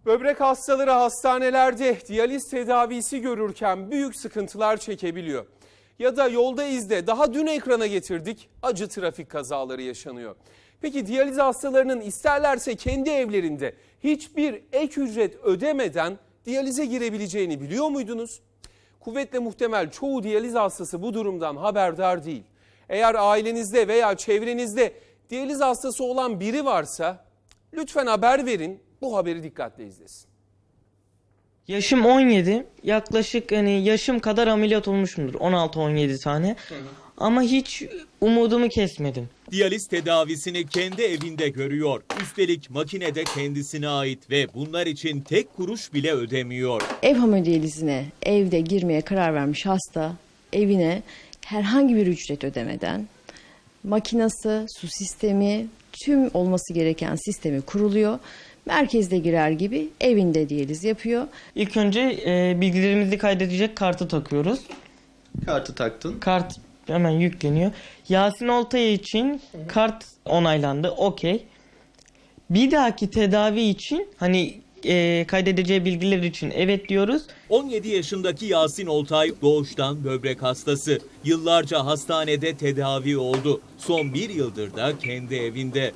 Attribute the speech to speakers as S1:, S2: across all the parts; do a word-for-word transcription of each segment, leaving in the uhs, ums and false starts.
S1: Böbrek hastaları hastanelerde diyaliz tedavisi görürken büyük sıkıntılar çekebiliyor. Ya da yolda izde daha dün ekrana getirdik, acı trafik kazaları yaşanıyor. Peki diyaliz hastalarının isterlerse kendi evlerinde hiçbir ek ücret ödemeden diyalize girebileceğini biliyor muydunuz? Kuvvetle muhtemel çoğu diyaliz hastası bu durumdan haberdar değil. Eğer ailenizde veya çevrenizde diyaliz hastası olan biri varsa lütfen haber verin, bu haberi dikkatle izlesin.
S2: Yaşım on yedi. Yaklaşık hani yaşım kadar ameliyat olmuşumdur. on altı on yedi tane. Hı hı. Ama hiç umudumu kesmedim.
S3: Diyaliz tedavisini kendi evinde görüyor. Üstelik makine de kendisine ait ve bunlar için tek kuruş bile ödemiyor.
S4: Ev hemodiyalizine evde girmeye karar vermiş hasta evine herhangi bir ücret ödemeden makinası, su sistemi, tüm olması gereken sistemi kuruluyor. Merkezde girer gibi evinde diyaliz yapıyor.
S2: İlk önce e, bilgilerimizi kaydedecek kartı takıyoruz.
S5: Kartı taktın.
S2: Kart hemen yükleniyor. Yasin Oltay için kart onaylandı. Okey. Bir dahaki tedavi için hani e, kaydedeceği bilgiler için evet diyoruz.
S3: on yedi yaşındaki Yasin Oltay doğuştan böbrek hastası. Yıllarca hastanede tedavi oldu. Son bir yıldır da kendi evinde.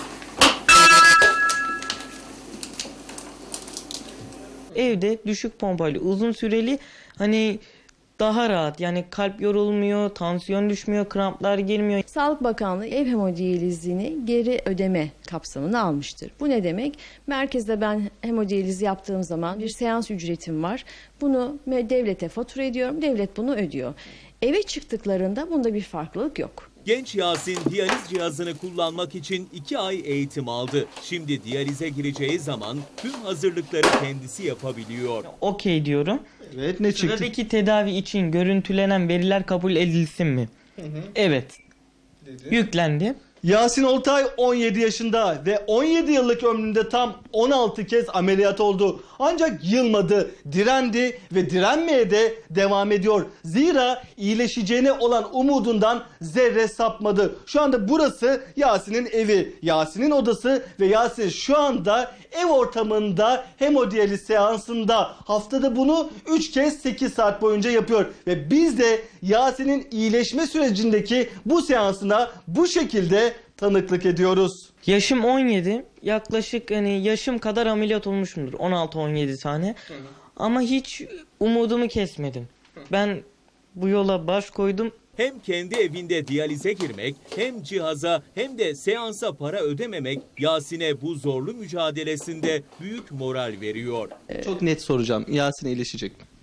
S2: Evde düşük pompalı uzun süreli hani daha rahat, yani kalp yorulmuyor, tansiyon düşmüyor, kramplar girmiyor.
S4: Sağlık Bakanlığı ev hemodiyalizini geri ödeme kapsamına almıştır. Bu ne demek? Merkezde ben hemodiyaliz yaptığım zaman bir seans ücretim var. Bunu devlete fatura ediyorum, devlet bunu ödüyor. Eve çıktıklarında bunda bir farklılık yok.
S3: Genç Yasin diyaliz cihazını kullanmak için iki ay eğitim aldı. Şimdi diyalize gireceği zaman tüm hazırlıkları kendisi yapabiliyor.
S2: Okey diyorum.
S5: Evet, ne çıktı?
S2: Sıradaki tedavi için görüntülenen veriler kabul edilsin mi? Hı hı. Evet. Dedi. Yüklendi.
S5: Yasin Oltay on yedi yaşında ve on yedi yıllık ömründe tam on altı kez ameliyat oldu. Ancak yılmadı, direndi ve direnmeye de devam ediyor. Zira iyileşeceğine olan umudundan zerre sapmadı. Şu anda burası Yasin'in evi, Yasin'in odası ve Yasin şu anda ev ortamında hemodiyaliz seansında. Haftada bunu üç kez sekiz saat boyunca yapıyor. Ve biz de Yasin'in iyileşme sürecindeki bu seansına bu şekilde tanıklık ediyoruz.
S2: Yaşım on yedi. Yaklaşık hani yaşım kadar ameliyat olmuşumdur. on altı on yedi tane. Hı hı. Ama hiç umudumu kesmedim. Hı. Ben bu yola baş koydum.
S3: Hem kendi evinde diyalize girmek, hem cihaza hem de seansa para ödememek Yasin'e bu zorlu mücadelesinde büyük moral veriyor.
S5: Çok net soracağım. Yasin iyileşecek mi?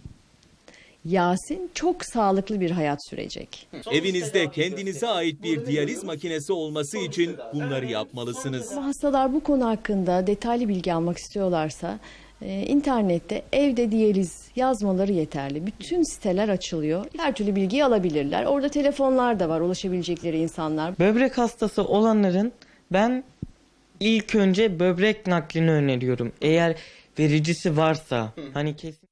S4: Yasin çok sağlıklı bir hayat sürecek.
S3: Evinizde kendinize ait bir diyaliz makinesi olması için bunları yapmalısınız.
S4: Bu hastalar bu konu hakkında detaylı bilgi almak istiyorlarsa e, internette evde diyaliz yazmaları yeterli. Bütün siteler açılıyor. Her türlü bilgiyi alabilirler. Orada telefonlar da var, ulaşabilecekleri insanlar.
S2: Böbrek hastası olanların ben ilk önce böbrek naklini öneriyorum. Eğer vericisi varsa hani kesin